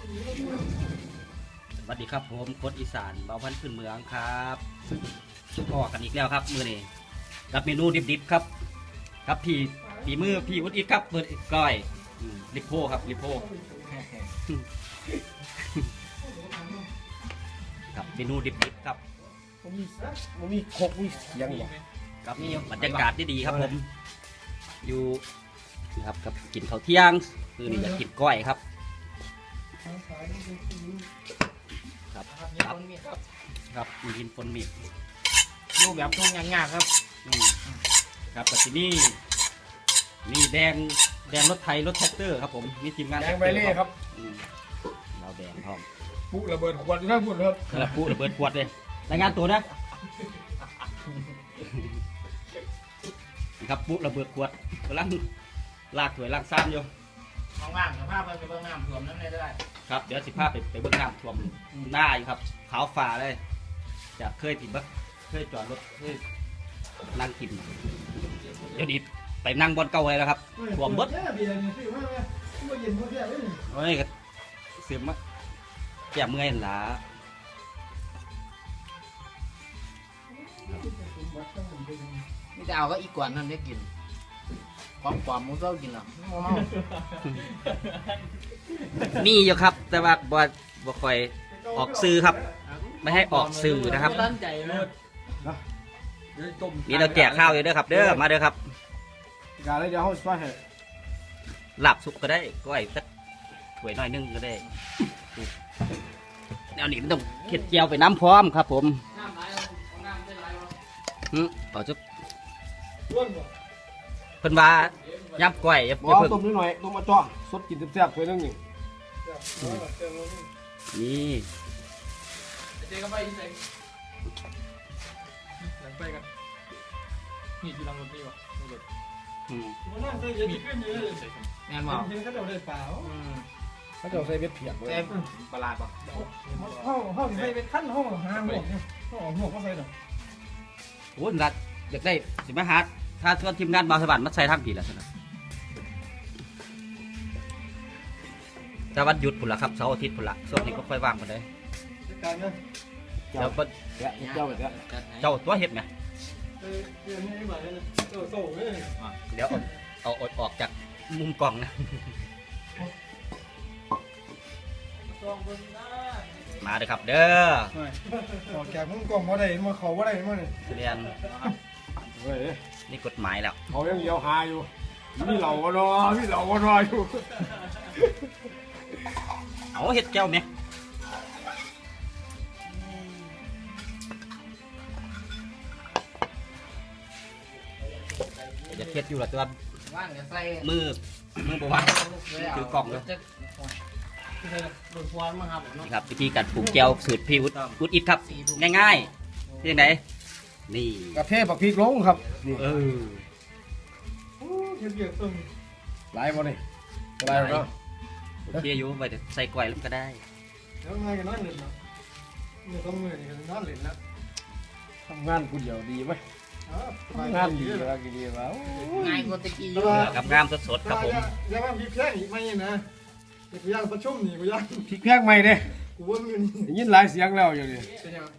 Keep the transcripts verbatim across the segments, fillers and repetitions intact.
สวัสดีครับผมโค้ดอีสานเบาพันธุ์พื้นเมืองครับพอกันอีกแล้วครับมือนี้กับเมนูดิบๆครับครับพี่ฝีมือพี่วุฒิครับเปิดก้อยลิโพครับลิโพครับเมนูดิบๆครับมันมีมันมีคกมีเสียงหรอครับนี่บรรยากาศดีๆครับผมอยู่นะครับกับกินข้าวเที่ยงคือนี่อยากกินก้อยครับครับครับครับมีกินฝนมีดูแบบทุ่งยากๆครับอืมครับแต่ที่นี่นี่แดงแดงรถไทยรถแท็กเตอร์ครับผมมีทีมงานแดงใบเล่ครับอืมเราแดงพร้อมปุ๊ระเบิดขวดนะพูดครับกระปุระเบิดขวดเลยรายงานตัวนะนี่ครับปุ๊ระเบิดขวดกำลังลากถวยลากซ้ำอยู่ว่างๆสภาพมันจะเบื้องน้ำท่วมน้ำในได้ครับเดี๋ยวสิภาพไปไปเบื้องน้ำท่วมหน้าอยู่ครับขาวฟ้าเลยจะเคยติดบักเคยจอดรถเคยนั่งกินเดี๋ยวนี้ไปนั่งบนเก่าเลยแล้วครับท่วมเบิดโอ้ยก็เสียมะแก่เมื่อยหล่ะนี่จะเอาก็อีกกว่านั้นได้กินความความมูเจ้ากินหรอเมามีอยู่ครับแต่ว่าบ่บ่ค่อยออกสื่อครับ ไม่ให้ออกสื่อนะครับตั้งใจเลยนี่เราแจกข้าวอยู่เด้อครับ เด้อมาเด้อครับการเลยเดี๋ยวเขาช่วยให้หลับสุกก็ได้ก้อยสักถ้วยน้อยนึงก็ได้แนวนี้มันต้องเข็ดเจียวไปน้ำพร้อมครับ ผมน้ำไหลเอาน้ำได้ไหลเอาอืมเอาจุ๊บเพิ่นว่าย่ำก้อยอย่าบอย่าอกเพิ่งต้มนิดหน่อยต้มมาจ่อสดกินแซ่บๆไปนึงนี่นี่เจ๊ก็ไปที่ไหนหลังไปกันนี่อยู่หลังรถนี่วะรถอืมแม่นบอกเขาจะใส่เบ็ดเพียกเลยเจ๊ประหลาดป่ะห้องห้องใส่เป็นขั้นห้องหาหมวกเนี่ยห้องหมวกก็ใส่หรอโอ้ยรัดอยากได้สิมาหาถ้าชวนทีมงานบาวสวรรค์มาใส่ทางผีแล้วนะแต่วันหยุดพุ่นละครับเสาร์อาทิตย์พุ่นละช่วงนี้ก็ค่อยว่างกันเลยการนะเดี๋ยวเพิ่นแกะเจ้าแบบนี้เจ้าตัวเห็ดไหมเออเดือนนี้มาเลยนะเออโซ่เลยเดี๋ยวเอาเอาอดออกจากมุมกล่องนะซองบนหน้ามาเลยครับเด้อออกจากมุ้งกล่องมาได้มาเขาว่าได้มาเนี่ยเรียนเฮ้ยนี่กฎหมายแล้วเขายังเดียวหาอยู่มีเหล่าก็รอมีเหล่าก็รออยู่เอาเห็ดเจ้าไหมจะเห็ดอยู่ละตัวว่างจะใส่มือมือบอกว่าถือกล่องเลยโดนควันมั้งครับนี่ครับวิธีการปลูกแก้วสูตรพี่วุฒิวุฒิอิทครับง่ายๆที่ไหนนี่กระเทศบักพริกลงครับนี่เออโอ้เบียดตึงหลายบ่นี่หลายบ่เนาะโอเคอยู่ไปใส่กล้วยแล้วก็ได้แล้วไงกันนั่นเลยเนาะเนี่ยต้องมือนี่กันนั่นเลยนะทำงานกูเดียวดีไหมทำงานดีแล้วกี่ดีแล้วง่ายกว่าตะกี้อยู่กับงามสดๆครับผมอย่ามาพี่แค่อีกไม่นะกูย่างประชุมนี่กูย่างพริกแพงใหม่เด้กูว่ามือนี่ได้ยินหลายเสียงแล้วอยู่นี่เป็นยัง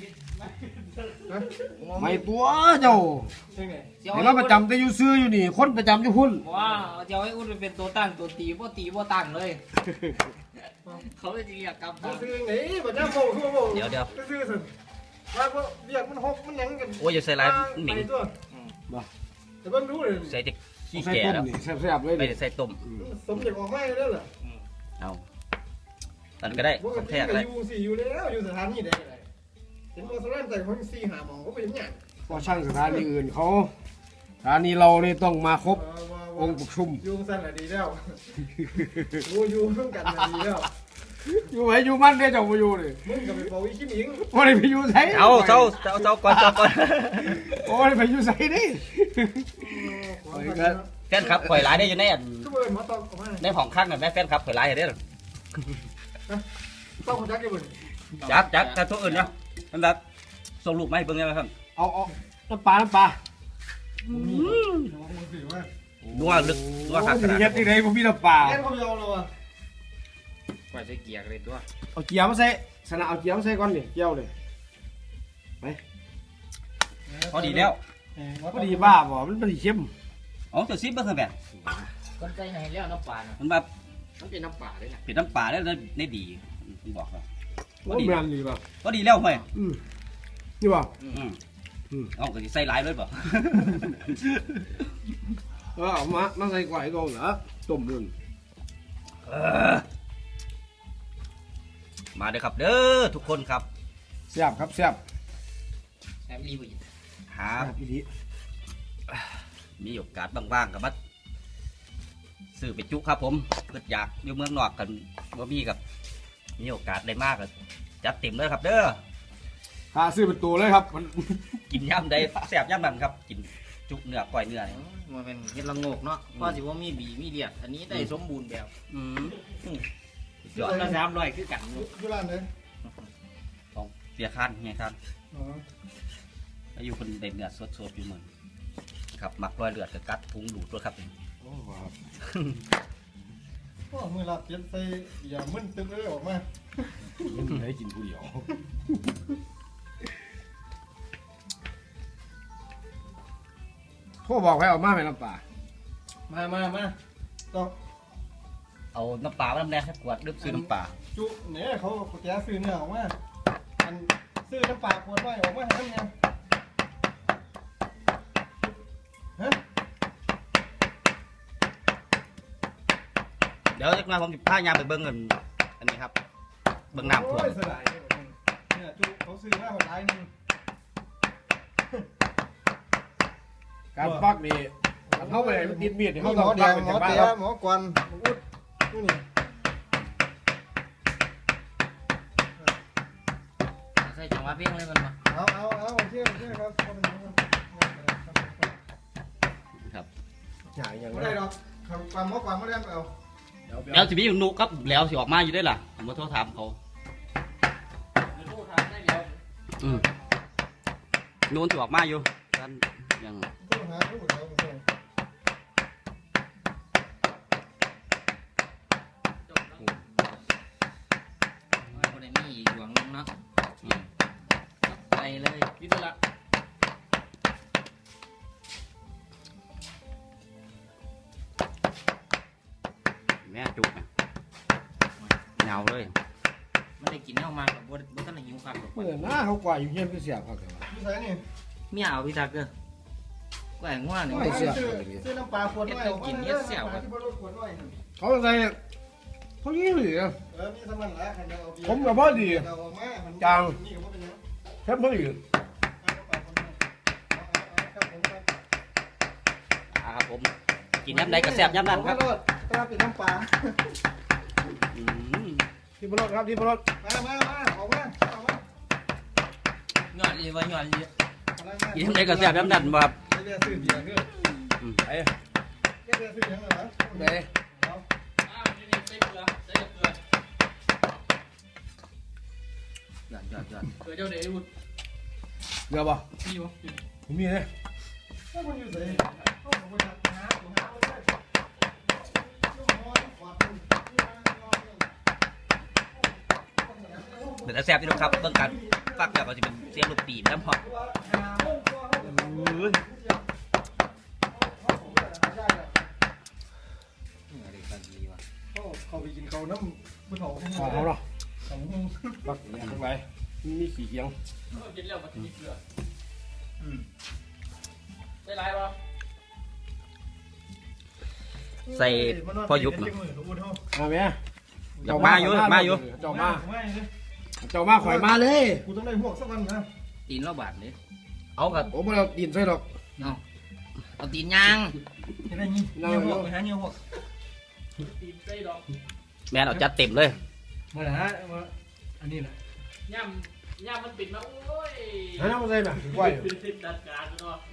ไม่ตัวเจ้าเป็นไงเห็นว่าประจำแต่อยู่ซื้ออยู่นี่คนประจำอยู่พุ่นว้าเจ้าให้อุ้นเป็นตัวตั้งตัวตีบ่ตีบ่ตั้งเลยเขาจะเรียกกำกูตั้งซื้อไหนบัดนี้โม่คือโม่เดี๋ยวเดี๋ยวซื้อสิว่าว่าเบียดมันหกมันยังกันโอ้ยอย่าใส่ลายหมิงแต่เบิ่งดูเลยใส่จะขี้ใส่แก่ต้มแล้วนี่แซ่บๆเลยไม่นี่ได้ใส่ต้มสมเด็จออกมาได้เหรอเอาตอนก็ได้ปกของติแท้ก็เลยอยู่สี่อยู่แล้วอยู่สถานีใดก็ได้เห็นว่าสถานีแต่เขาสี่หาหมองเขาไปยังไงก็ช่างสถานีอื่นเขาสถานีเรานี่ต้องมาครบองค์ประชุมอยู่สั้นแหละดีแล้วกูอยู่ร่วมกันดีแล้วอยู่ไหนอยู่มันได้เจ้าไปอยู่เลยมึงกับไปเป่าอีขี้หมิงว่าได้ไปอยู่ไสเอาเจ้าเจ้าเจ้าก่อนเจ้าก่อนโอ้ยไปอยู่ไสนี่แฟนคลับข่อยหลายได้อยู่ในอันก็เบิร์นมาต้องออกมาในห้องข้างน่ะแม่แฟนคลับข่อยหลายได้หรอต้องจักกี่เบิร์นจักจักถ้าตัวอื่นเนาะนั่นแหละส่งรูปมาให้เบิ่งได้ไหมครับเอาเอาน้ำปลาน้ำปลามีมึงถือว่านัวลึกนัวคักขนาดเฮ็ดที่ไหนผมมีน้ำปลาแค่เขายาวเลยวะกว่าจะเกียกเลยตัวเอาเกี๊ยวมาใส่สนะเอาเกี๊ยวมาใส่ก่อนนี่เกี๊ยวเลยพอดีแล้วพอดีบ้าบ่มันพอดีเข้มอ๋อจะซิบเบิ้งแบบคนใจให้แล้วน้ำปลาน่ะมันแบบมันเป็นน้ำปลาเลยนะเป็นน้ำปลาแล้วได้ดีผมบอกแล้วว่าแมนดีป่ะพอดีแล้วเฮ้ยอืมนี่ป่ะอืมอืมเอาก็สิใส่หลายเลยบ่เออเอามามาใส่กวายก่อนเหรอต้มนึ่งมาเด้อครับเด้อทุกคนครับแซ่บครับแซ่บแอบรีบอีกหาแซ่บอีหลีมีโอกาสบ้างๆกับมัดซื้อไปจุครับผมเกิดอยากอยู่เมืองนอกกันบ่มีกับมีโอกาสได้มากก็จัดเต็มเลยครับเด้อหาซื้อเป็นตัวเลยครับมันกินย่ำใดแซ่บย่ำนั้นครับกินจุเนื้อก้อยเนื้อนี่มันเป็นเห็ดละโงกเนาะเพราะสิว่ามีบีมีเลียดอันนี้ได้สมบูรณ์แบบอืมยอดละสามร้อยคือกันอยู่ร้านไหนของเสียคันไงครับอ๋ออายุคนเด็ดเนื้อสดๆอยู่เมืองครับมักรอยเลือดกับกัดพุงดูดด้วยครับโอ้ครับโอ้มือหลับเจ็บใส่อย่ามึนตึ๊บเลยออกมายังได้กินผู้เดียวโทรบอกให้เอามาไหมน้ำปลามามามาต้องเอาน้ำปลามาน้ำแดงให้ขวดดึบซื้อน้ำปลาจุเนี่ยเขาแกซื้อเนื้อออกมาอันซื้อน้ำปลาขวดไว้ออกมาให้น้ำเนี่ยฮะเดี๋ยวจะมาผมจะพายามไปเบิ้งเงินอันนี้ครับเบิ้งน้ำท่วมโอ้ยเสียดายเนี่ยจุเขาซื้อมาหดร้ายนึงการปักนี่เข้าไปมันติดมีดมีเขาหมต้องอแดปักงเป็นหมอบ้านเตี้ยครับหมอกวนหมออุดนี่ใส่จังหวะเพียงเลยมันมาเอาเอาเอาโอเคโอเคครับเอาเป็นอย่างนั้นครับอย่างอย่างไม่นั้ได้นหรอกความหมอความไม่ได้เอาเดี๋ยวแล้วจะมีหนุครับแล้วสิออกมาอยู่ได้ล่ะผมมาโทรถามเขาอืมนูนสิออกมาอยู่ท่านยังต้องหาผู้เขาผู้เขาคนไหนมีหยวงนึงเนาะอืมไปเลยพิจารณาแม่จุกนะเหงาเลยมันได้กินเท่ามากกับว่าว่าต้องหิวครับเมื่อหน้าเขากว่าอยู่เฮียนก็เสียบครับพี่สายนี่เมียเอาพี่ทักเกอร์แหว่งว่าเนี่ยซื้อซื้อน้ำปลาขวดไว้ที่บนรถขวดไว้เขาใส่เขายี่หรือเออมีสมันแล้วคันเดียวเอาเบียร์ผมกับพ่อดีเราเอามามันจังนี่ก็บ่เป็นหยังแค่พ่อดีเอาน้ำปลาคนนั้นเอาเอาเอาครับผมครับอ่าครับผมกินย้ำใดก็แซ่บย้ำนั้นครับเอารถตราปิดน้ำปลาอืมที่พรถครับที่พรถมามามาออกมาออกมาหยอดเลยว่าหยอดเลยอะไรมากินย้ำใดก็แซ่บย้ำนั้นบ่ครับเรียกซื้อเบียร์เด้ออืมไอ้เรียกซื้อเบียร์เหรอไหนเอาหยอดหยอดหยอดเดี๋ยวบ่ผมมีเลยถ้าคนอยู่ใส่เอาผมไปหาหาหาเลยลูกน้อยขวดหนึ่งที่ร้านนอนเนี่ยเดี๋ยวจะแซ่บที่น้องครับเบิ่งกันฟักแล้วก็จะเป็นเสียงลูกปีบน้ำหอมอะไรกันดีวะเขาไปกินเขาน้ำผู้เฒ่าขอเขาเนาะสองหงปักอย่างทั้งหลายมีขี่เกียงกินแล้วมันมีเกลืออืมได้ไรป่ะใส่พอยุบเนน่ะมาไหมอยากมาอยู่อยากมาอยู่เจ้ามาไม่เลยเจ้ามาข่อยมาเลยกูต้องได้พวกสักวันนะตีนเราบาดเลยเอากับผมไม่เอาดินใส่หรอกเอาเอาตีนยางจะได้ยี่เงี้ยพวกไปหาเงี้ยพวกแม่นเอาจัดเต็มเลยมาหามาอันนี้แหละย่ำย่ำมันปิดมาโอ้ยให้น้ำมาใส่ไหมไหวปิดติดดัดการเนาะ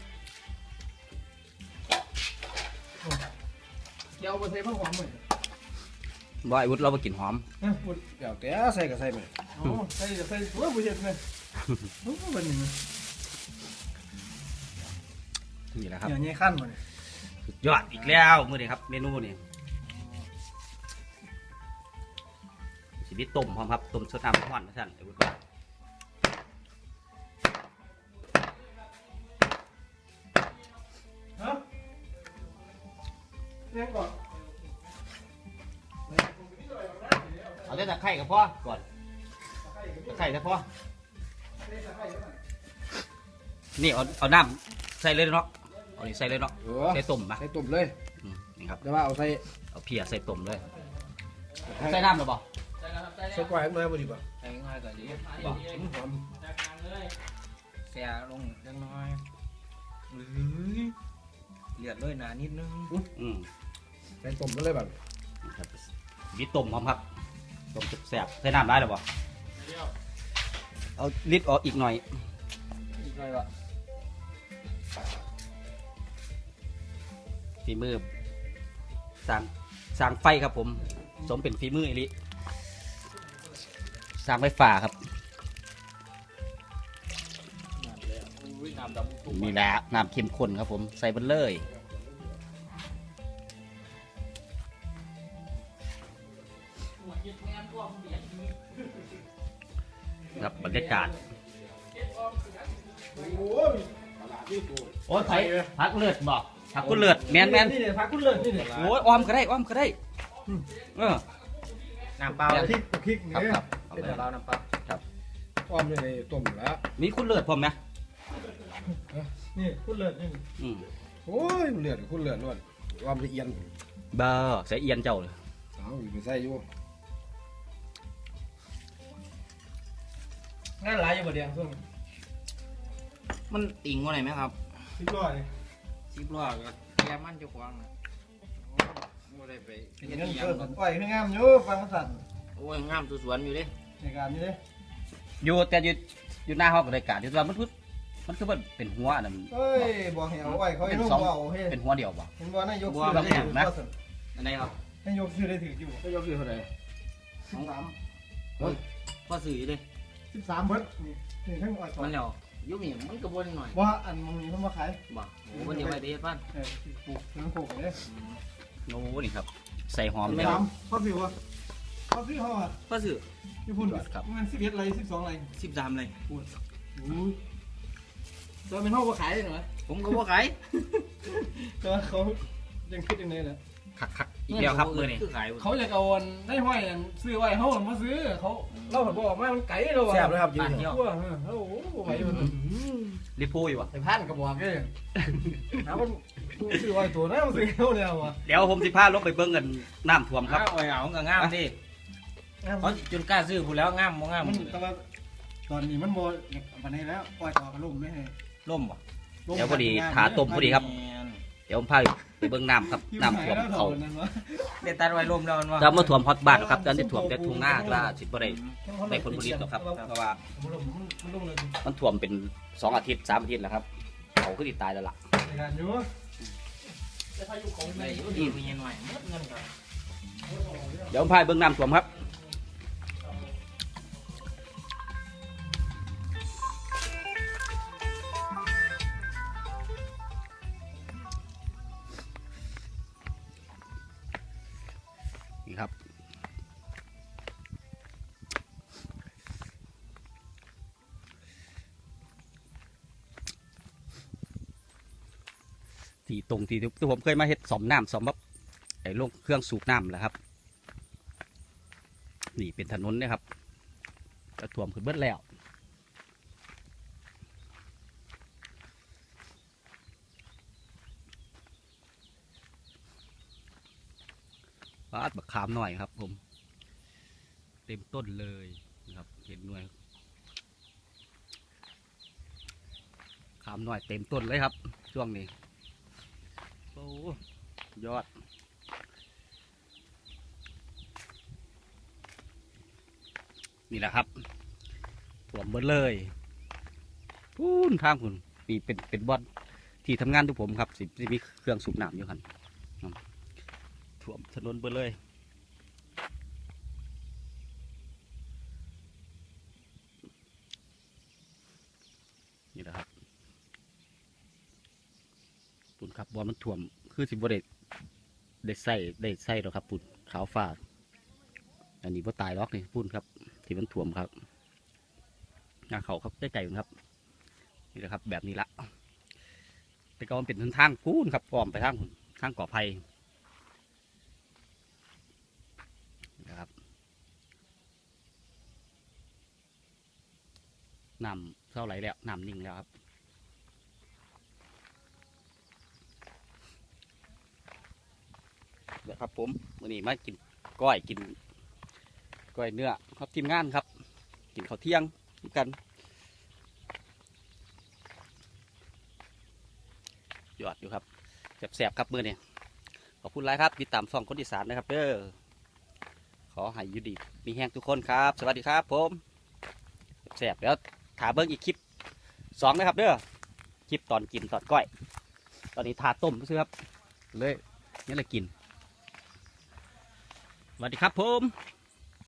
เดี๋ยวเอาไปใส่ผ้าหอมหน่อยบ่ไอ้วุฒิเราไปกินหอมนะพูดเดี๋ยวแต่ใส่ก็ใส่ไหมอ๋อใส่ใส่ตัวผู้เชี่ยวชาญโอ้เป็นยังไงนี่แหละครับอย่างนี้ขั้นมาเนี่ยสุดยอดอีกแล้วมื้อนี้ครับเมนูนี่มีต้มพร้อมครับต้มสดน้ำร้อนนะท่านไอ้วุฒิว่าฮะเรียกก่อนเอาแต่ตะไคร้กับพ่อก่อนตะไคร้แต่พ่อนี่เอาเอาน้ำใส่เลยเนาะเอานี่ใส่เลยเนาะเออใส่ต้มปะใส่ต้มเลยอืมนี่ครับแต่ว่าเอาใส่เอาเพียใส่ต้มเลยใส่น้ำหรือเปล่าใช่แล้วครับใช่แล้ใส่วกล้วยให้มาบ่ดีป่ะใส่ง่ายกว่านี้บอกหอมจากทางเลยเสียลงเล็กน้อยเลือดเลยหนานิดนึงอืมใส่ต้มมาเลยแบบนี่ครับมีต้มพร้อมครับต้มแซ่บๆใส่น้ำได้หรือเปล่าเดี๋ยวเอาลิดออกอีกหน่อยอีกหน่อยวะฝีมือสร้างสร้างไฟครับผมสมเป็นฝีมืออีลิสร้างไฟฟ้าครับน้ำเลยอุ้ยน้ำดำตุ้มมีแหละน้ำเข้มข้นครับผมใส่ไปเลยครับบรรยากาศโอ้ยโอ้ยไผ่พักเลือดบอกพักกุเลือดแมนแมนนี่เนี่ยพักคุณเลยนี่เนี่ยโอ้ยอ้อมก็ได้อ้อมก็ได้เออน้ำเปล่าพริกพริกครับเนี่ยครับเอาเป็นเลยเราน้ำเปล่าอ้อมเลยต้มแล้วมีคุณเลือดผมไหมนี่คุณเลยนี่อืมโอ้ยเลือดคุณเลือดล้วนอ้อมละเอียดเบอร์ใส่เอียนเจ้าเลยเอาอยู่ไปใส่อยู่งานหลายอยู่บ่เดียงช่วงมันติ่งว่าไหนไหมครับสิบร้อยสิบล้อก็แย่มันเจ้าของนะโอ้ได้ไปเห็นเฮ็ดเงินอีหยัเกิงนก่อนปล่อยให้งามอยู่ฟังสั่นโอ้ยงามตัวสวนอยู่เด้ในการนี้เด้อยู่แต่อยู่อยู่หน้าห้องกับรายการที่ว่ามันพุมันคือมันเป็นหัวอันนั้นเฮ้ยบอกให้เอาไว้เขาให้เป็นนุ่มสองเอาเฮ้ยเป็นหัวเดียวบ่เห็นบ่นายกบัวซื้อเราได้แข็ถืงอนะว่าสั่นอันไหนครับนายกซื้อได้ถืออยู่ก็ยกซื้อเท่าไหร่สิบสามพ่อสื่ออยู่เด้สิบสามเบิดนี่นี่ทั้งอ้อยต่อมันแล้วอยุ่งนี่มันกระบวนหน่อยว่าอันมึงมีเพิ่นมาขายบ่โอ้วันเดียวไปเทศบ้านเออปลูกทั้งปลูกเลยโอ้นี่ครับ ใส่หอมสิบเลยสามพ่อสิวะพ่อสิวเขาอ่ะพ่อสื่อญี่ปุ่นมันสิบเอ็ดไรสิบสองไรสิบสามเลยอุ้ยตัวเป็นห้องมาขายเลยเหรอผมก็บ่ขายตัวเขายังคิดยังไงล่ะคักคักอีกแล้วครับมือนี่คือขายเขาอยากเอาอันได้ห้อยอันซื้อไว้เขามาซื้อเขาเล่าบอกมามันไก่เราอ่ะแซ่บเลยครับยืบ้านนเที่ยวว่าโอ้โหไหวอยู่รีพูอยู่วะไอ้พันกระบอกเลยถามมันซื้อไว้ตัวนั้นมันซื้อเขาเนี่ยว่ะเดี๋ยวผมสิพาลงไปเบิ้งกันน้ำท่วมครับอ้าวเอาเอาก็งามดิเขาจนกล้าซื้อผู้แล้วงามบ่งามมันแต่ว่าตอนนี้มันโมวันนี้แล้วปล่อยต่อกระลุ่มไม่ให้ล่มบ่เดี๋ยวพอดีขาต้มพอดีครับแม่นเดี๋ยวผมพาไปเบิ้งน้ำครับน้ำท่วมเขาเด็ดตัดไว้ล่มแล้วมันว่าจะมาท่วมฮอตบ้านหรอกครับตอนนี้ท่วมแต่ทุ่งนาว่าสิบ่ได้ได้ผลผลิตหรอกครับเพราะว่ามันลุ่มมันลุ่มเลยมันท่วมเป็นสองอาทิตย์สามอาทิตย์แล้วครับเขาคือติดตายแล้วล่ะในการอยู่ได้อยู่ดีมีเงินหน่อยหมดเงินก็เดี๋ยวผมพาไปเบิ้งน้ำท่วมครับนี่ครับที่ตรงที่ที่ผมเคยมาเฮ็ดสอมน้ำสอมแบบไอ้โรงเครื่องสูบน้ำแหละครับ นี่เป็นถนนนะครับจะท่วมขึ้นเบิดแล้วบาดบักขามหน่อยครับผม เต็มต้นเลยนะครับเห็นหน่วยขามหน่อยเต็มต้นเลยครับ ช่วงนี้โอ้ยอด นี่แหละครับถ่วมเบิดเลยพูนทางคุณปีเป็นเป็นบอลที่ทำงานทุกผมครับสิสิมีเครื่องสูบน้ำอยู่ครับถ่วมถนนเบิดเลยนี่แหละครับปุ่นครับบอลมันถ่วมคือสิบวเด็ดได้ใส่ได้ใส่หรอครับปุ่นขาวฟ้าอันนี้พ่ตายล็อกนี่พุ่นครับที่มันถ่วมครับงาเขาครับได้ใจครับนี่แหละครับแบบนี้ละแต่ก็มันเป็นทางพุ่นครับอ้อมไปทางทางก่อไผ่นะครับน้ำเท่าไหร่แล้วน้ำนิ่งแล้วครับเดี๋ยวครับผมวันนี้มากินก้อยกินก้อยเนื้อครับทีมงานครับกินข้าวเที่ยงกันยอดอยู่ครับแสบๆครับมือเนี่ยขอบคุณไลค์ครับติดตามช่องคนอีสานนะครับเด้อขอให้อยู่ดีมีแห้งทุกคนครับสวัสดีครับผมแสบแล้วถาเบิ้งอีกคลิปสองนะครับเด้อคลิปตอนกินตอนก้อยตอนนี้ทาต้มซื้อครับเลยนี่แหละกินสวัสดีครับผม